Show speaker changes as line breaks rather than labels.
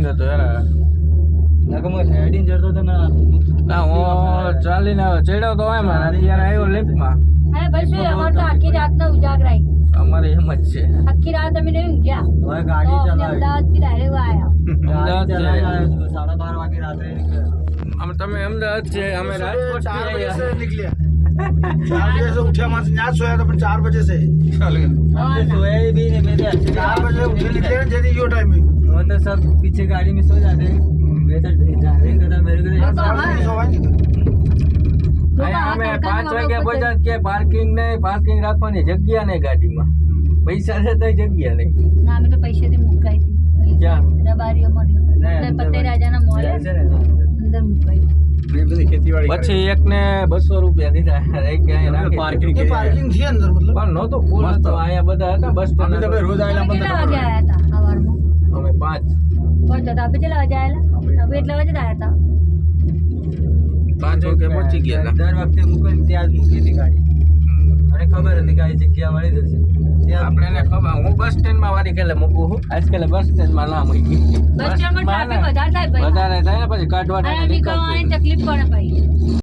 Traffic હતો યાર. ના હું ચાલીને ચડ્યો તો એમ અત્યારે આવ્યો લિફ્ટમાં.
અરે ભાઈ શું અમારે તો આખી રાતનો ઉજાગરાઈ.
અમારે એમ જ છે.
આખી રાત અમે નહીં ઊંઘ્યા. અમદાવાદથી ડાયરેક્ટ આયા.
અમે તમે અમદાવાદ છે અમે રાજકોટ
4 बजे से निकले 4 बजे से उठे वहाँ से यहाँ सोया था 4 बजे से 4 बजे उठे निकले जैसे यो टाइम में
वो तो सब पीछे गाड़ी में सो जाते हैं मैं तो ड्राइविंग करता मेरे को
અમે 5 વાગે પહોંચ્યા કે પાર્કિંગ રાખવાની જગ્યા નહીં ગાડીમાં. પૈસા છે તો જગ્યા નહીં.
ના અમે તો પૈસેથી મુકાઈ હતી.
ક્યાં?
રબારીઓ મળ્યો. પતે રાજાના મોલ અંદર મુકાઈ.
પછી એકને 200 રૂપિયા દીધા. એક
पार्किंग थी अंदर मतलब
પણ નહોતો ફૂલ હતો. અહીંયા બધા હતા બસ સ્ટેન્ડ. રોજ
કેટલા વાગે આયા હતા સવારમાં?
અમે 5
પહોંચ્યા હતા. આપણે કેટલા વાગે આયેલા? આપણે એટલા વાગે જ આયા હતા.
5 વાગે પહોંચી ગયા હતા.
દર વખતે મૂકીને ત્યાં જ મૂકી હતી ગાડી. મને ખબર હતી કે આ જગ્યા મળી જશે ત્યાં
આપણે એને ખબર હું બસ સ્ટેન્ડમાં વારી કેલે મૂકું છું. આજકાલ બસ સ્ટેન્ડમાં ના મૂકી.
બસ સ્ટેન્ડમાં ટ્રાફિક વધારે થાય ભાઈ.
વધારે થાય ને પછી કાઢવા
અહીંયા નીકળવાની તકલીફ પડે ભાઈ.